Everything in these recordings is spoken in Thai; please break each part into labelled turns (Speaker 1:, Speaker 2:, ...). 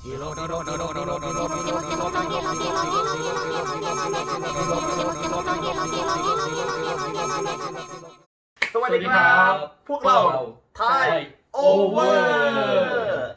Speaker 1: สวัสดีครับพวกเราไทยโอเวอร์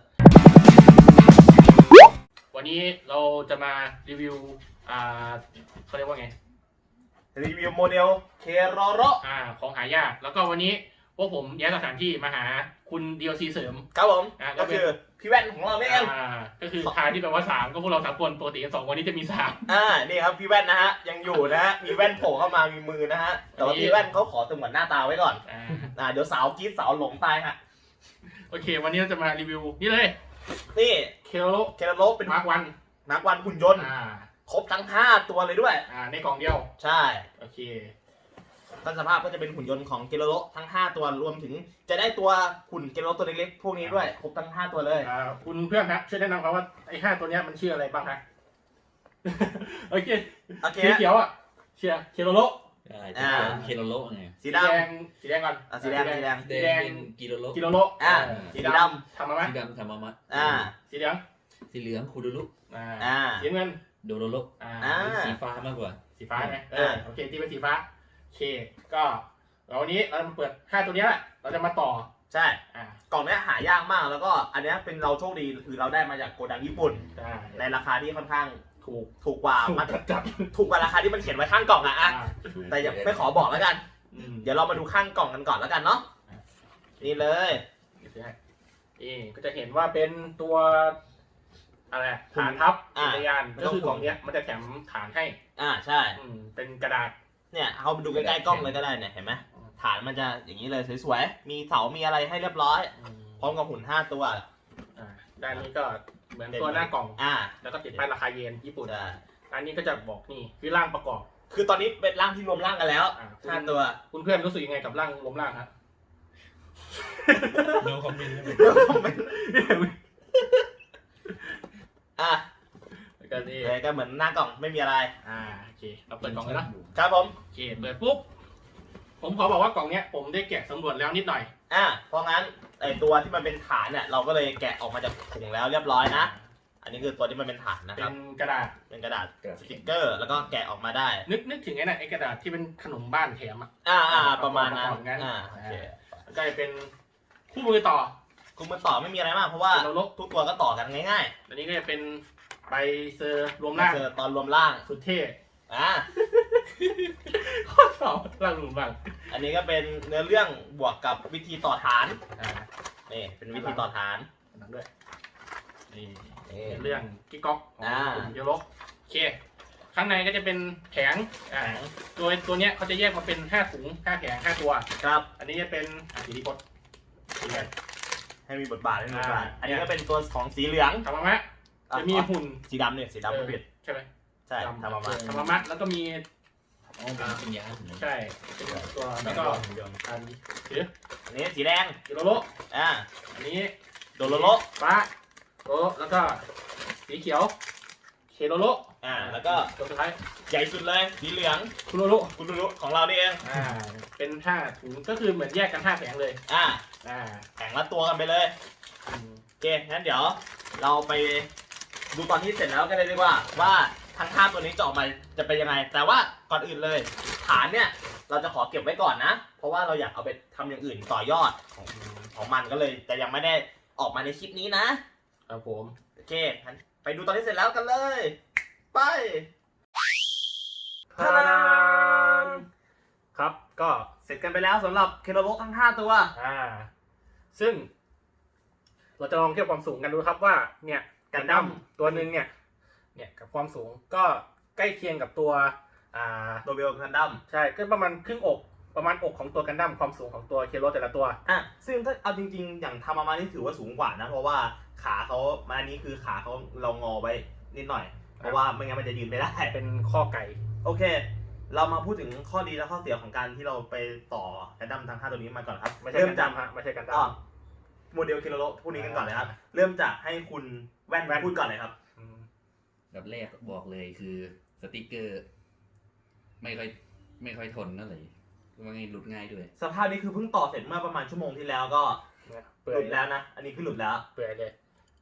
Speaker 2: วันนี้เราจะมารีวิวเขาเรียกว่าไง
Speaker 1: รีวิวโมเดลเคโรโร
Speaker 2: ของหายากแล้วก็วันนี้พวกผมย้ายสถานที่มาหาคุณ DLC เสริม
Speaker 1: ครับผมก็คือพี่แว่นของเราเอง
Speaker 2: ก็คือทายที่แปลว่า3ก็พวกเรา3คนปกติ2วันนี้จะมี3
Speaker 1: นี่ครับพี่แว่นนะฮะยังอยู่นะฮะมีแว่นโผล่เข้ามามีมือนะฮะแต่ว่าพี่แว่นเขาขอสงวนหน้าตาไว้ก่อนเดี๋ยวสาวกรี๊ดสาวหลงตายฮะ
Speaker 2: โอเควันนี้เราจะมารีวิวนี่เลย
Speaker 1: นี่
Speaker 2: เคโร
Speaker 1: โรเป็น
Speaker 2: มาร์ควัน
Speaker 1: หุ่นยนต์ครบทั้ง5ตัวเลยด้วย
Speaker 2: ในกล่องเดียว
Speaker 1: ใช่
Speaker 2: โอเค
Speaker 1: ต้นสภาพก็จะเป็นหุ่นยนต์ของเกโรโรทั้ง5ตัวรวมถึงจะได้ตัวหุ่นเกโรโรตัวเล็กๆพวกนี้ด้วยครบทั้ง5ตัวเลย
Speaker 2: คุณเพื่อนครับช่วยแนะนำครับว่าไอ้5ตัวนี้มันชื่ออะไรบ้างฮะโอเคสีเขียวเชียร์เคโรโร
Speaker 3: เคโรโรไง
Speaker 1: สี
Speaker 2: แดงก่อน
Speaker 1: สีแดง
Speaker 3: กิโรโร
Speaker 2: กิโรโร
Speaker 1: สีด
Speaker 2: ำทำมาไหม
Speaker 3: สีดำทำมามัด
Speaker 2: สีเหลือง
Speaker 3: คูดูรุ
Speaker 2: สีเงิน
Speaker 3: โดโรโรสีฟ้ามากกว่า
Speaker 2: สีฟ้าไหมโอเคที่เป็นสีฟ้าโอเคก็วันนี้เราเปิด5ตัวนี้แหละเราจะมาต่อ
Speaker 1: ใช่กล่องนี้หายากมากแล้วก็อันนี้เป็นเราโชคดีคือเราได้มาจากโกดังญี่ปุ่นในราคาที่ค่อนข้างถูกกว่าถูกกว่าราคาที่มันเขียนไว้ข้างกล่องแต่ยังไม่ขอบอกแล้วกันเดี๋ยวเรามาดูข้างกล่องกันก่อนแล้วกันเนาะนี่เลย
Speaker 2: นี่ก็จะเห็นว่าเป็นตัวอะไรฐานทับจักรยานก็คือกล่องนี้มันจะแถมฐานให้
Speaker 1: ใช่
Speaker 2: เป็นกระดาษ
Speaker 1: เนี่ยเอาไปดูใกล้ๆกล้องเลยก็ได้เนี่ยเห็นไหมฐานมันจะอย่างนี้เลยสวยๆมีเสามีอะไรให้เรียบร้อยพร้อมกับหุ่น5ตัว
Speaker 2: ด้านนี้ก็เหมือนตัวหน้ากล่องแล้วก็ติดป้ายราคาเยนญี่ปุ่นอันนี้ก็จะบอกนี่คือร่างประกอบ
Speaker 1: คือตอนนี้เป็นร่างที่รวมร่างกันแล้ว5ตัว
Speaker 2: คุณเพื่อนรู้สึกยังไงกับร่างรวมร่างครับ
Speaker 3: โน้คอมเมนต์
Speaker 1: ก็เหมือนหน้ากล่องไม่มีอะไร
Speaker 2: โอเคเราเปิดกล่องเลย
Speaker 1: นะครับผม
Speaker 2: โอเคเปิดปุ๊บผมขอบอกว่ากล่องเนี้ยผมได้แกะสำรวจแล้วนิดหน่อย
Speaker 1: เพราะงั้นไอตัวที่มันเป็นฐานเนี่ยเราก็เลยแกะออกมาจากถุงแล้วเรียบร้อยนะอันนี้คือตัวที่มันเป็นฐานนะครับ
Speaker 2: เป็นกระดาษ
Speaker 1: สติ๊กเกอร์แล้วก็แกะออกมาได้
Speaker 2: นึกถึงไอ้น่ะไอ้กระดาษที่เป็นขนมบ้านแถม
Speaker 1: ประมาณนั้น
Speaker 2: โอเคก็จะเป็นคู่มือต่อ
Speaker 1: ไม่มีอะไรมากเพราะว่าทุกตัวก็ต่อกันง่าย
Speaker 2: ๆอันนี้ก็จะเป็นใบเซอร์รวมร่าง
Speaker 1: ตอนรวมร่าง
Speaker 2: สุดเท่
Speaker 1: ข้อ
Speaker 2: สอบร่างรวมร่าง
Speaker 1: อันนี้ก็เป็นเนื้อเรื่องบวกกับวิธีต่อฐานนี่เป็นวิธีต่อฐาน
Speaker 2: นั้นด้วยนี่เรื่องกิ๊กก๊อกของโยโรโอเคข้างในก็จะเป็นแผงโดยตัวเนี้ยเขาจะแยกมาเป็น5ถุง5แผง5ตัว
Speaker 1: ครับ
Speaker 2: อันนี้จะเป็นสีดีกด
Speaker 1: ให้มีบทบาทอันนี้ก็เป็นตัวของสีเหลือง
Speaker 2: ทำมาไหมจะมีหุ่น
Speaker 1: สีดำเนี่ยสีดำไม่ผิด
Speaker 2: ใช่ไหม
Speaker 1: ใช่ทำ
Speaker 2: มามัดแล้วก็มี
Speaker 3: เป็นยา
Speaker 2: ใช่ตัวแล้วก็อัน
Speaker 1: นี้สีแดง
Speaker 2: กิโลโลอันนี้
Speaker 1: โดโลโล
Speaker 2: ฟ้าโลแล้วก็สีเขียวเคโลโล
Speaker 1: แล้วก็
Speaker 2: ตัวสุดท้าย
Speaker 1: ใหญ่สุดเลยสีเหลือง
Speaker 2: คุโรโล
Speaker 1: ของเรานี่เอง
Speaker 2: เป็น5ถุงก็คือเหมือนแยกกัน5แผงเลย
Speaker 1: แผงละตัวกันไปเลยโอเคงั้นเดี๋ยวเราไปดูตอนที่เสร็จแล้วกันเลยดีกว่าทั้ง5ตัวนี้จะออกมาจะเป็นยังไงแต่ว่าก่อนอื่นเลยฐานเนี่ยเราจะขอเก็บไว้ก่อนนะเพราะว่าเราอยากเอาไปทำอย่างอื่นต่อยอดของมันก็เลยแต่ยังไม่ได้ออกมาในคลิปนี้
Speaker 2: นะครับผม
Speaker 1: โอเคไปดูตอนที่เสร็จแล้วกันเลยไปครับก็เสร็จกันไปแล้วสำหรับเคโรโรทั้ง5ตัว
Speaker 2: ซึ่งเราจะลองเทียบความสูงกันดูครับว่าเนี่ยกันดั้มตัวนึงเนี่ยกับความสูงก็ใกล้เคียงกับตัว
Speaker 1: โดเบลกันดั้ม
Speaker 2: ใช่ก็ประมาณครึ่งอกประมาณอกของตัวกันดั้มความสูงของตัวเคโรแต่ละตัว
Speaker 1: ซึ่งถ้าเอาจริงๆอย่างทำมานี่ถือว่าสูงกว่านะเพราะว่าขาเขามาอันนี้คือขาเขาเรางอไว้นิดหน่อยเพราะว่าไม่งั้นมันจะยืนไม่ได้
Speaker 2: เป็นข้อไก่
Speaker 1: โอเคเรามาพูดถึงข้อดีและข้อเสียของการที่เราไปต่อกันดั้มทั้ง5ตัวนี้มาก่อนครับ
Speaker 2: เริ่มจากไม่ใช่กันดั้ม
Speaker 1: โมเดลเคโรโรพวกนี้กันก่อนเลยครับเริ่มจากให้คุณแว่นพูดก่อนเลยครับ
Speaker 3: แบบแรกบอกเลยคือสติ๊กเกอร์ไม่ค่อยทนนั่นเลยว่าไงหลุดง่ายด้วย
Speaker 1: สภาพนี้คือเพิ่งต่อเสร็จเมื่อประมาณชั่วโมงที่แล้วก็หลุดแล้วนะอันนี้คือหลุดแล้ว
Speaker 2: เปื่อยเลย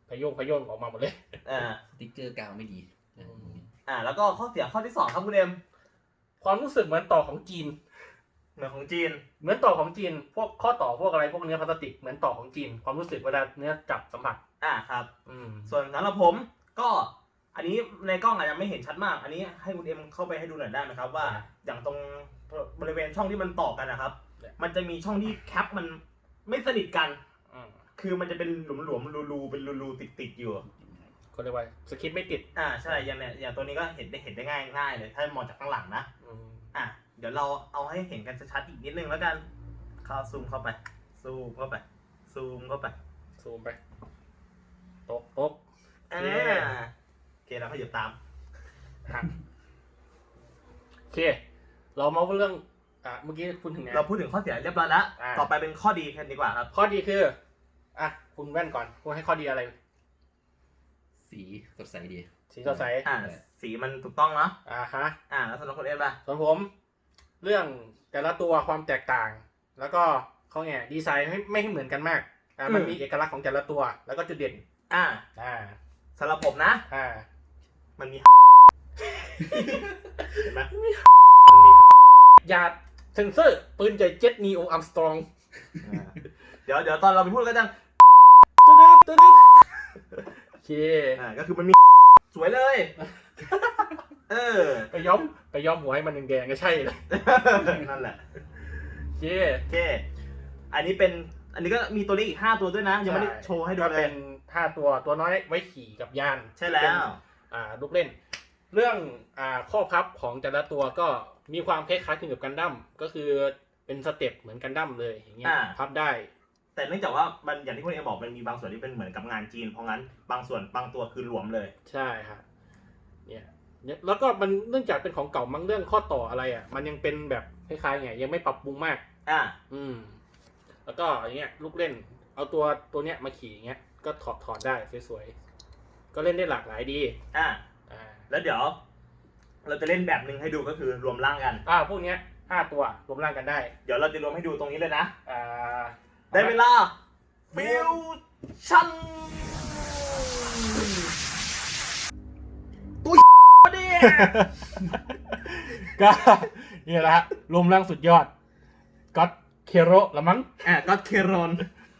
Speaker 2: พยงออกมาหมดเลย
Speaker 3: สติ๊กเกอร์กาวไม่ดีนะ
Speaker 1: แล้วก็ข้อเสียข้อที่2ครับคุณเอ็ม
Speaker 2: ความรู้สึกเหมือนต่อของจีน
Speaker 1: เหมือนของจีน
Speaker 2: เหมือนต่อของจีน พวกข้อต่อพวกอะไรพวกเนื้อพลาสติกเหมือนต่อของจีน ความรู้สึกเวลาเนื้อจับสัมผัส
Speaker 1: ครับ
Speaker 2: อืม
Speaker 1: ส่วนสำหรับผมก็อันนี้ในกล้องอาจจะไม่เห็นชัดมาก อันนี้ให้คุณเอ็มเข้าไปให้ดูหน่อยได้ไหมครับว่าอย่างตรงบริเวณช่องที่มันต่อกันนะครับ มันจะมีช่องที่แคปมันไม่สนิทกัน คือมันจะเป็นหลุมๆรูๆเป็นรูๆติดๆอยู่
Speaker 2: เขาเรียกว่าสคริปต์ไม่ติด
Speaker 1: ใช่อย่างเนี้ยอย่างตัวนี้ก็เห็นได้ง่ายเลยถ้ามองจากข้างหลังนะ
Speaker 2: อืม
Speaker 1: เดี๋ยวเราเอาให้เห็นกันชัดๆอีกนิดนึงแล้วกันเข้าซูมเข้าไปซูมเข้าไป
Speaker 2: ซูมไปตก
Speaker 1: โอเคแล้วขยับตาม
Speaker 2: หักโอเค เรามาเรื่องเมื่อกี้คุณถึงไหน
Speaker 1: เราพูดถึงข้อเสียเรียบร้อยแล้ว ต่อไปเป็นข้อดีกันดีกว่าครับ
Speaker 2: ข้อดีคือคุณแว่นก่อนคุณให้ข้อดีอะไร
Speaker 3: สีสดใสดี
Speaker 2: สีสดใส
Speaker 1: สีมันถูกต้องเนาะ
Speaker 2: ฮะ
Speaker 1: แล้วสำหรับคนเอ็มล่ะ
Speaker 2: ส่วนผมเรื่องแต่ละตัวความแตกต่าง แล้วก็เขาไงดีไซน์ไม่ให้เหมือนกันมากมันมีเอกลักษณ์ของแต่ละตัวแล้วก็จุดเด่น
Speaker 1: สำหรับผมนะ มันมี เห็นไหมมันมี
Speaker 2: ยาเซนเซอร์ปืนใหญ่เจ็ตนีโออัมสตรอง
Speaker 1: เดี๋ยวตอนเราไปพูดกันจัง
Speaker 2: ตึ๊ดโอเค
Speaker 1: ก็คือมันมีสวยเลย
Speaker 2: ไปย้อมหัวให้มันแดงๆก็ใช่เลย
Speaker 1: นั่นแหละ
Speaker 2: โอเค
Speaker 1: อันนี้ก็มีตัวเลขอีก5ตัวด้วยนะยังไม่ได้โชว์ให้ดูเลย
Speaker 2: เป็น5ตัวน้อยไว้ขี่กับยาน
Speaker 1: ใช่แล้ว
Speaker 2: ลูกเล่นเรื่องข้อพับของแต่ละตัวก็มีความคล้ายๆคลึงกับกันดั้มก็คือเป็นสเต็ปเหมือนกันดั้มเลยอย่างเงี้ยพับได้
Speaker 1: แต่เนื่องจากว่ามันอย่างที่คุณเอ็มบอกมันมีบางส่วนที่เป็นเหมือนกับงานจีนเพราะงั้นบางตัวคือหลวมเลย
Speaker 2: ใช่ครับเนี่ยแล้วก็มันเนื่องจากเป็นของเก่ามั้งเรื่องข้อต่ออะไรมันยังเป็นแบบคล้ายๆไงยังไม่ปรับปรุงมากแล้วก็อย่างเงี้ยลูกเล่นเอาตัวเนี้ยมาขี่อย่างเงี้ยก็ถอดได้สวยๆก็เล่นได้หลากหลายดี
Speaker 1: แล้วเดี๋ยวเราจะเล่นแบบนึงให้ดูก็คือรวมร่างกัน
Speaker 2: พวกเนี้ย5ตัวรวมร่างกันได้
Speaker 1: เดี๋ยวเราจะรวมให้ดูตรงนี้เลยนะได้เวลาฟิวชั่นตัวเนี่ย
Speaker 2: ก็นี่แหละรวมร่างสุดยอดก็อตเคโรละมั้ง
Speaker 1: ก็อตเคโรน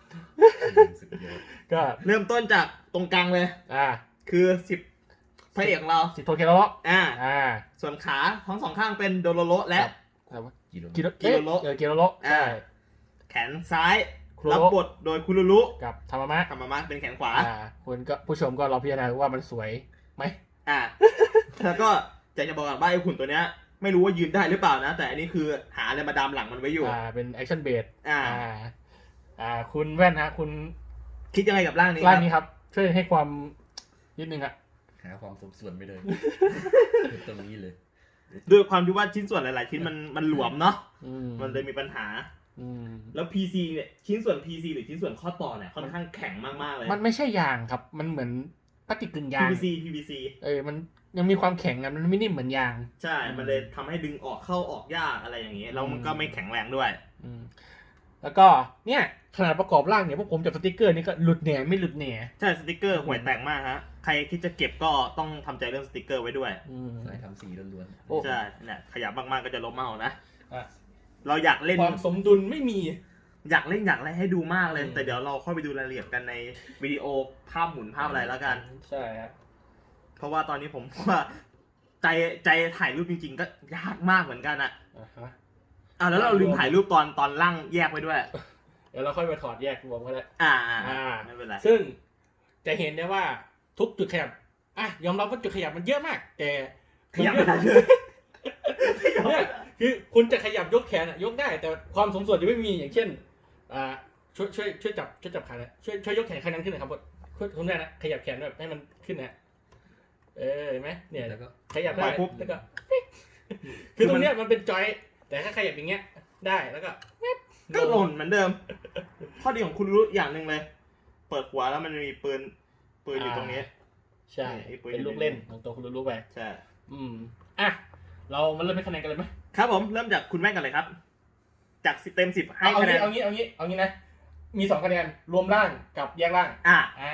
Speaker 2: ก็
Speaker 1: เริ่มต้นจากตรงกลางเลยคือ10พระเอกของเรา
Speaker 2: 10โทเคโร
Speaker 1: ส่วนขาทั้งสองข้างเป็นโดโรโรและ
Speaker 2: กิโรโร
Speaker 1: แขนซ้ายรับบทโดยคุรุรุ
Speaker 2: กับธรรมะ
Speaker 1: เป็นแขนขวา
Speaker 2: คุณก็ผู้ชมก็ลองพิจารณาว่ามันสวยไหม
Speaker 1: แล้วก็จะบอกว่าไอ้หุ่นตัวเนี้ยไม่รู้ว่ายืนได้หรือเปล่านะแต่อันนี้คือหาอะไรมาดามหลังมันไว้อยู่
Speaker 2: เป็นแอคชั่นเบสคุณแว่นฮะคุณ
Speaker 1: คิดยังไงกับร่างนี้
Speaker 2: ครับช่วยให้ความนิดนึง
Speaker 3: หาความสมส่วนไปเลยตรงนี้เลย
Speaker 1: ด้วยความที่ว่าชิ้นส่วนหลายๆชิ้นมันหลวมเนาะมันเลยมีปัญหาแล้ว PC เนี่ยชิ้นส่วน PC หรือชิ้นส่วนข้อต่อเนี่ยค่อนข้างแข็งมากๆเลย
Speaker 2: มันไม่ใช่ยางครับมันเหมือนพลาสติกกึ่งยาง
Speaker 1: PVC
Speaker 2: มันยังมีความแข็งมันไม่นิ่มเหมือนยาง
Speaker 1: ใช่มันเลยทำให้ดึงออกเข้าออกยากอะไรอย่างเงี้ยแล้วมันก็ไม่แข็งแรงด้วย
Speaker 2: แล้วก็เนี่ยขนาดประกอบร่างเนี่ยพวกผมจับสติ๊กเกอร์นี่ก็หลุดแหน่ไม่หลุดแหน่
Speaker 1: ใช่สติ๊กเกอร์ห่วยแตกมากฮะใครคิดจะเก็บก็ต้องทำใจเรื่องสติ๊กเกอร์ไว้ด้วย
Speaker 3: ทำสีล้วน
Speaker 1: ๆใช่เนี่ยขยับมากๆก็จะลบเมานะเราอยากเล่น
Speaker 2: ความสมดุลไม่มี
Speaker 1: อยากอะไรให้ดูมากเลยแต่เดี๋ยวเราค่อยไปดูรายละเอียดกันในวิดีโอภาพหมุนภาพอะไรแล้วกัน
Speaker 2: ใช่ครับ
Speaker 1: เพราะว่าตอนนี้ผมว่าใจถ่ายรูปจริงๆก็ยากมากเหมือนกันแล้วเราลืมถ่ายรูปตอนล่างแยกไว้ด้วย
Speaker 2: เดี๋ยวเราค่อยไปถอดแยกรวมก็ได้
Speaker 1: ไม่เป็นไร
Speaker 2: ซึ่งจะเห็นได้ว่าทุกจุดขยับยอมรับว่าจุดขยับมันเยอะมากแต่
Speaker 1: ขยับไม่ได้เลย
Speaker 2: เนี่ยคือคุณจะขยับยกแขนยกได้แต่ความสมส่วนจะไม่มีอย่างเช่นช่วยจับขาเนี่ยช่วยยกแขนข้างนั้นขึ้นหน่อยครับคุณแม่นะขยับแขนแบบให้มันขึ้นนะเห็นไหมเนี่ยแล้วก็ขยับได้แล้วก็คือตรงเนี้ยมันเป็นจอยแต่ถ้าขยับอย่างเงี้ยได้แล้วก็
Speaker 1: หล่นเหมือนเดิมข้อดีของคุณรู้อย่างหนึ่งเลยเปิดหัวแล้วมันมีปืนอยู่ตรงนี้
Speaker 2: ใช่เป็นลูกเล่นของตัวคุณรู้ไป
Speaker 1: ใช่
Speaker 2: เรามาเริ่มให้คะแนนกันเลยไหม
Speaker 1: ครับผมเริ่มจากคุณแม่กันเลยครับจากเต็ม10ให้คะแนน
Speaker 2: เอางี้นะมี2คะแนนรวมร่างกับแยกร่าง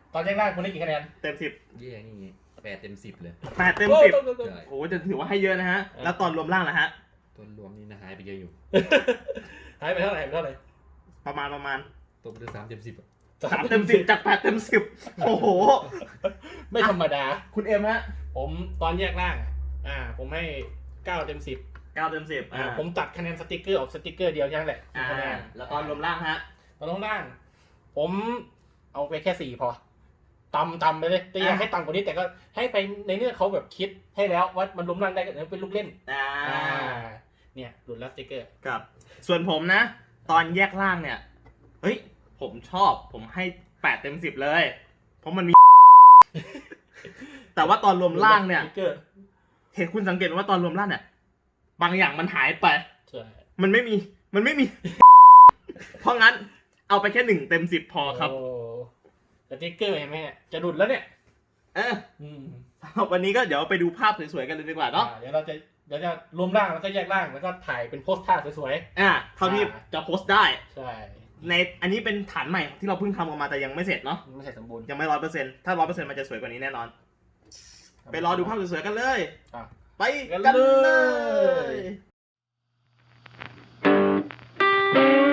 Speaker 2: ตอนแยกล่างคุณได้กี่คะแนน
Speaker 1: เต็ม 10
Speaker 3: เย่นี่8 เต็ม 10เลย
Speaker 1: 8 เต็ม
Speaker 2: โอ้
Speaker 1: 10
Speaker 2: โห
Speaker 3: ใช่
Speaker 1: โอ้โหจะถือว่าให้เยอะนะฮะ แล้วตอนรวมล่างนะฮะ
Speaker 3: ต้นรวมนี่นะหายไปเยอะอยู่
Speaker 2: หายไปเท่าไหร่เท่าไหร่
Speaker 1: ประมาณ
Speaker 3: ตกไปด้วย3 เต็ม 10อะ
Speaker 1: 3 เต็ม 10 จาก 8 เต็ม 10 โอ้โห
Speaker 2: ไม่ธรรมดา
Speaker 1: คุณเอ็มฮะ
Speaker 2: ผมตอนแยกล่างผมให้9 เต็ม 10
Speaker 1: 9 เต็ม 10
Speaker 2: ผมตัดคะแนนสติกเกอร์ออกสติกเกอร์เดียวแค่นั้นแหละคะแนน
Speaker 1: แล้วตอนรวมล่างฮะ
Speaker 2: ตอนล่าง ผมเอาไปแค่4พอต่ำไปเลยแต่อยากให้ต่ำกว่านี้แต่ก็ให้ไปในเนื้อเขาแบบคิดให้แล้วว่ามันล้มล่างได้ก็เป็นลูกเล่นเนี่ยหลุดแล้วสติกเกอร์
Speaker 1: ครับ ส่วนผมนะ ตอนแยกล่างเนี่ย เฮ้ย ผมชอบ ผมให้ 8 เต็ม 10 เลย เพราะมันมี แต่ว่าตอนรวมล่างเนี่ย
Speaker 2: สติกเกอร์
Speaker 1: เห็นคุณสังเกตไหมว่าตอนรวมล่างเนี่ย บางอย่างมันหายไป
Speaker 2: ใช่
Speaker 1: มันไม่มี เพราะงั้น เอาไปแค่ 1 เต็ม 10 พอครับ
Speaker 2: โอ้สติกเกอร์เห็นไหมเนี่ยจะหลุดแล้วเนี่ย
Speaker 1: วันนี้ก็เดี๋ยวไปดูภาพสวยๆกันเลยดีกว่าเนาะ
Speaker 2: เดี๋ยวจะรวมร่างแล้วก็แยกร่างแล้วก็ถ่ายเป็นโพสท่าสวย
Speaker 1: เท่าที่จะโพสต์ได้
Speaker 2: ๆใช่
Speaker 1: ในอันนี้เป็นฐานใหม่ที่เราเพิ่งทำออกมาแต่ยังไม่เสร็จเนาะ
Speaker 2: ไม่ใช่สมบูรณ์
Speaker 1: ยังไม่ 100%ถ้า 100%มันจะสวยกว่านี้แน่นอน ไปรอดูภาพสวยๆกันเลย
Speaker 2: อ่ะ
Speaker 1: ไปกันเลย